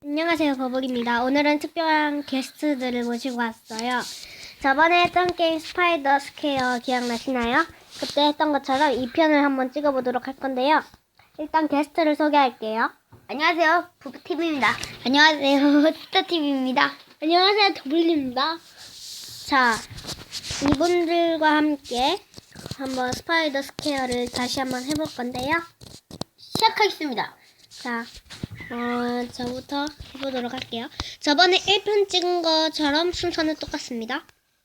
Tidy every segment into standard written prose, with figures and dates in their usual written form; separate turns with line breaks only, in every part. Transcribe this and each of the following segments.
안녕하세요, 버블입니다. 오늘은 특별한 게스트들을 모시고 왔어요. 저번에 했던 게임 스파이더 스퀘어 기억나시나요? 그때 했던 것처럼 2편을 한번 찍어보도록 할 건데요. 일단 게스트를 소개할게요.
안녕하세요. 부부TV입니다.
안녕하세요,
스타TV입니다.
안녕하세요, 더블입니다. 자, 이분들과 함께 한번 스파이더 스퀘어를 다시 한번 해볼 건데요.
시작하겠습니다.
자, 저부터 해보도록 할게요. 저번에 1편 찍은 것처럼 순서는 똑같습니다.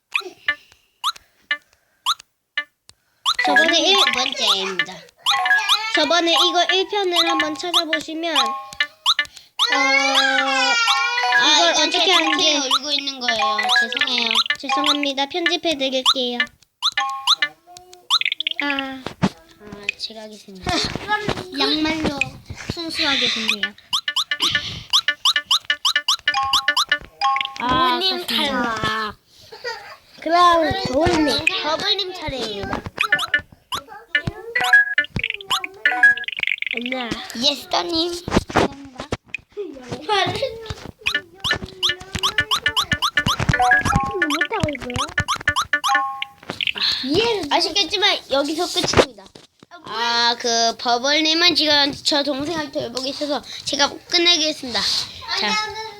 저번에
두 번째입니다.
저번에 이거 1편을 한번 찾아보시면 이걸 어떻게 하는지
울고 있는 거예요. 죄송해요.
죄송합니다. 편집해 드릴게요.
제가 하겠습니다.
양말로 순수하게 됐네요.
부모님 탈락.
그럼 더울님.
버블님 차례입니다.
안녕.
예스터님.
못하고 있고요.
아쉽겠지만 여기서 끝입니다. 그 버블님은 지금 저 동생한테 돌보고 있어서 제가 끝내겠습니다. 자,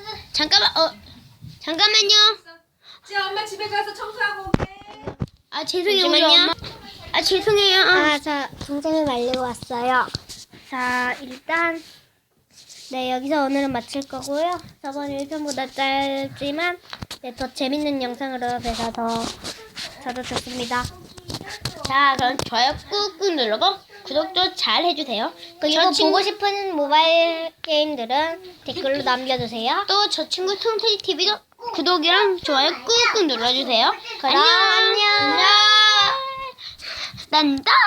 잠깐만요.
지금 엄마 집에 가서 청소하고 올게.
죄송해요, 우리 엄마. 죄송해요.
자, 동생을 말리고 왔어요. 자, 일단 네, 여기서 오늘은 마칠 거고요. 저번 1편보다 짧지만 더 재밌는 영상으로 뵈서 저도 좋습니다.
자, 그럼 좋아요 꾹꾹 눌러고 구독도 잘 해주세요.
그리고 보고 싶은 모바일 게임들은 댓글로 남겨주세요.
또 저 친구 통태이 TV도 구독이랑 좋아요 꾹꾹 눌러주세요.
그럼 안녕.
난다.